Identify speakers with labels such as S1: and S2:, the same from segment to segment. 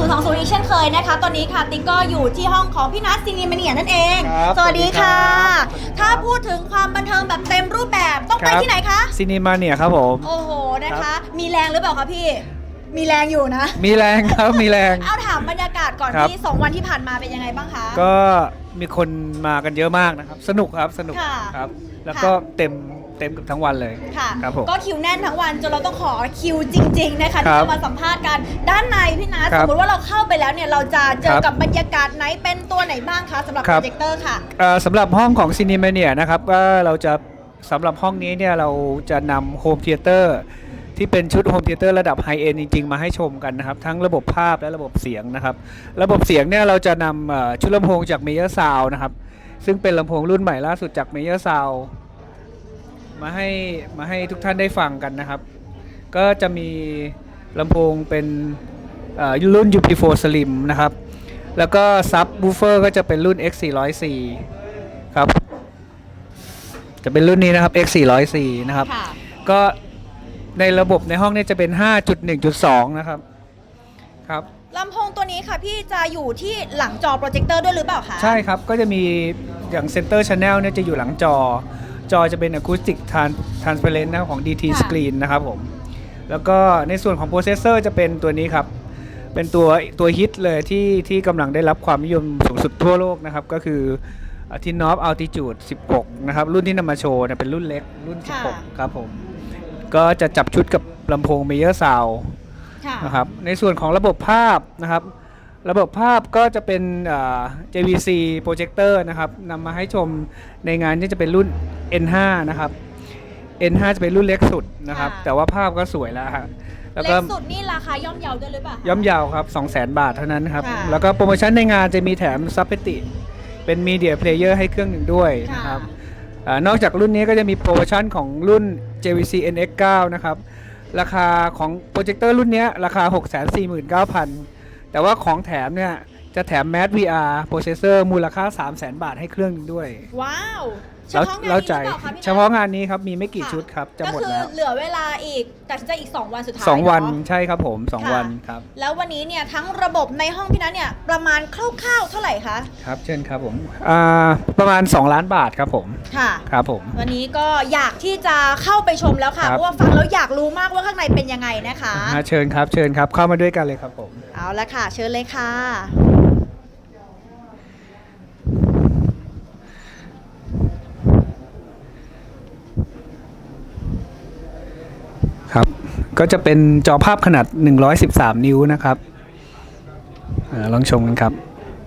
S1: 2020อีกเช่นเคยนะคะตอนนี้ค่ะติ๊กก็อยู่ที่ห้องของพี่นัทซีนีมาเนียนั่นเองสวัสดีค่ะถ้าพูดถึงความบันเทิงแบบเต็มรูปแบบต้องไปที่ไหนคะ
S2: ซีนีมาเนียครับผม
S1: โอ้โหนะคะมีแรงหรือเปล่าคะพี่มีแรงอยู่นะ
S2: มีแรงครับมีแรง
S1: เอาถามบรรยากาศก่อนที่2วันที่ผ่านมาเป็นยังไงบ้างคะ
S2: ก็มีคนมากันเยอะมากนะครับสนุกครับสนุกครับแล้วก็เต็มกับทั้งวันเลย
S1: ค่ะ
S2: ครับผม
S1: ก็คิวแน่นทั้งวันจนเราต้องขอคิวจริงๆนะคะที่จะมาสัมภาษณ์กันด้านในพี่นัทสมมติว่าเราเข้าไปแล้วเนี่ยเราจะเจอกับบรรยากาศไหนเป็นตัวไหนบ้างคะสำหรับโปรเจคเตอร์ค่ะ
S2: สำหรับห้องของซีนีมาเนียนะครับว่าเราจะสำหรับห้องนี้เนี่ยเราจะนำโฮมเธียเตอร์ที่เป็นชุดโฮมเธียเตอร์ระดับไฮเอ็นจริงๆมาให้ชมกันนะครับทั้งระบบภาพและระบบเสียงนะครับระบบเสียงเนี่ยเราจะนำชุดลำโพงจากเมเยอร์ซาวน์นะครับซึ่งเป็นลำโพงรุ่นใหม่ล่าสุดจากเมเยอร์ซาวน์มาให้ทุกท่านได้ฟังกันนะครับก็จะมีลำโพงเป็นรุ่น UP4 Slim นะครับแล้วก็ซับวูฟเฟอร์ก็จะเป็นรุ่น X404 ครับจะเป็นรุ่นนี้นะครับ X404 นะครับก็ในระบบในห้องนี้จะเป็น 5.1.2 นะครับครับ
S1: ลำโพงตัวนี้ค่ะพี่จะอยู่ที่หลังจอโปรเจคเตอร์ด้วยหรือเปล่าคะ
S2: ใช่ครับก็จะมีอย่างเซนเตอร์ชาแนลเนี่ยจะอยู่หลังจอจะเป็น Acoustic Transparent นะครับของ DT Screen นะครับผมแล้วก็ในส่วนของโปรเซสเซอร์จะเป็นตัวนี้ครับเป็นตัวฮิตเลยที่กำลังได้รับความนิยมสูงสุดทั่วโลกนะครับก็คือTinov Altitude 16 นะครับรุ่นที่นำมาโชว์เป็นรุ่นเล็กรุ่น 16 ครับผมก็จะจับชุดกับลำโพง Meyer Sound นะครับในส่วนของระบบภาพนะครับระบบภาพก็จะเป็นJVC Projector นะครับนำมาให้ชมในงานที่จะเป็นรุ่น N5 นะครับ N5 จะเป็นรุ่นเล็กสุดนะครับแต่ว่าภาพก็สวยแล้วครับ
S1: เล็กสุดนี่ราคาย่อมเยาด้วยหรือเปล่า
S2: ย่อมเยาครับ 200,000 บาทเท่านั้นครับแล้วก็โปรโมชั่นในงานจะมีแถมซับเพติเป็นมีเดียเพลเยอร์ให้เครื่องหนึ่งด้วยนะครับนอกจากรุ่นนี้ก็จะมีโปรโมชั่นของรุ่น JVC NX9 นะครับราคาของโปรเจคเตอร์รุ่นนี้ราคา 649,000 แต่ว่าของแถมเนี่ยจะแถม Mad VR Processor มูลค่า 300,000 บาทให้เครื่องหนึ่งด้วย
S1: ว้าว
S2: แล้วใจเฉพาะงานนี้ครับมีไม่กี่ชุดครับจะหมดแล้ว
S1: ก็คือเหลือเวลาอีกตัดสินใจอีก2วันสุดท้าย
S2: 2 วันใช่ครับผม2 วันครับ
S1: แล้ววันนี้เนี่ยทั้งระบบในห้องพี่นัทเนี่ยประมาณคร่าวๆเท่าไหร่คะ
S2: ครับเช่นครับผมประมาณ2 ล้านบาทครับผม
S1: ค่ะ
S2: ครับผม
S1: วันนี้ก็อยากที่จะเข้าไปชมแล้วค่ะเพราะว่าฟังแล้วอยากรู้มากว่าข้างในเป็นยังไงนะคะ
S2: เชิญครับเข้ามาด้วยกันเลยครับผม
S1: เอาละค่ะเชิญเลยค่ะ
S2: ครับก็จะเป็นจอภาพขนาด113 นิ้วนะครับลองชมกันครับ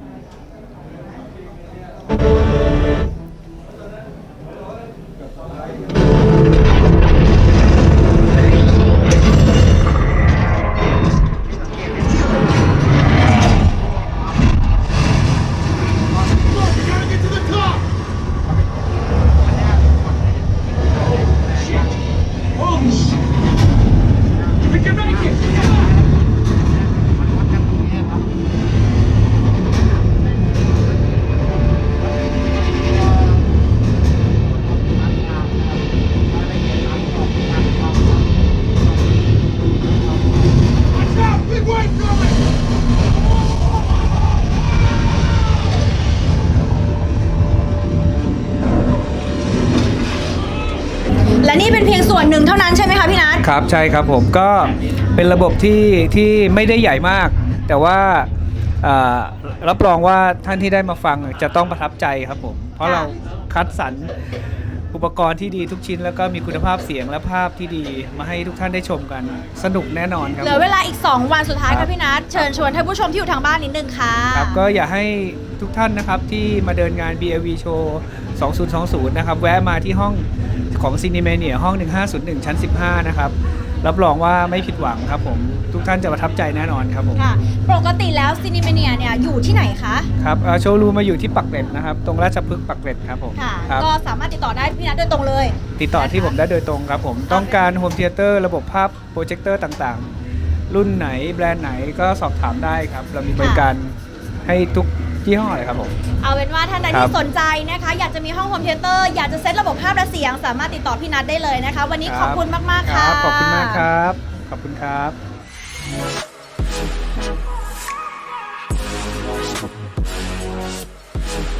S1: และนี่เป็นเพียงส่วนหนึ่งเท่านั้นใช่ไหมคะพี่นัท
S2: ครับใช่ครับผมก็เป็นระบบที่ไม่ได้ใหญ่มากแต่ว่ารับรองว่าท่านที่ได้มาฟังจะต้องประทับใจครับผมเพราะเราคัดสรรอุปกรณ์ที่ดีทุกชิ้นแล้วก็มีคุณภาพเสียงและภาพที่ดีมาให้ทุกท่านได้ชมกันสนุกแน่นอนครับ
S1: เหลือเวลาอีก2 วันสุดท้ายค่ะพี่นัทเชิญชวนท่านผู้ชมที่อยู่ทางบ้านนิดนึงค่ะ
S2: ครับก็อยากให้ทุกท่านนะครับที่มาเดินงาน BLV Show 2020นะครับแวะมาที่ห้องของ Cinemania ห้อง 1501 ชั้น 15 นะครับรับรองว่าไม่ผิดหวังครับผมทุกท่านจะประทับใจแน่นอนครับผม
S1: ค่ะปกติแล้ว Cinemania เนี่ยอยู่ที่ไหนคะ
S2: ครับโชว์รูมมาอยู่ที่ปักเกร็ดนะครับตรงราชพฤกษ์ปักเกร็ดครับผม
S1: ค่ะก็สามารถติดต่อได้พี่นัทโดยตรงเลย
S2: ติดต่อที่ผมได้โดยตรงครับผมต้องการโฮมเธียเตอร์ระบบภาพโปรเจคเตอร์ต่างๆรุ่นไหนแบรนด์ไหนก็สอบถามได้ครับเรามีบริการให้ทุกยี่ห้อเลยครับผม
S1: เอาเป็นว่าท่านใดที่สนใจนะคะอยากจะมีห้องโฮมเธียเตอร์อยากจะเซตระบบภาพและเสียงสามารถติดต่อพี่นัทได้เลยนะคะวันนี้ขอบคุณมากๆค่ะ
S2: ขอบคุณมากครับขอบคุณครับ
S3: Thank you.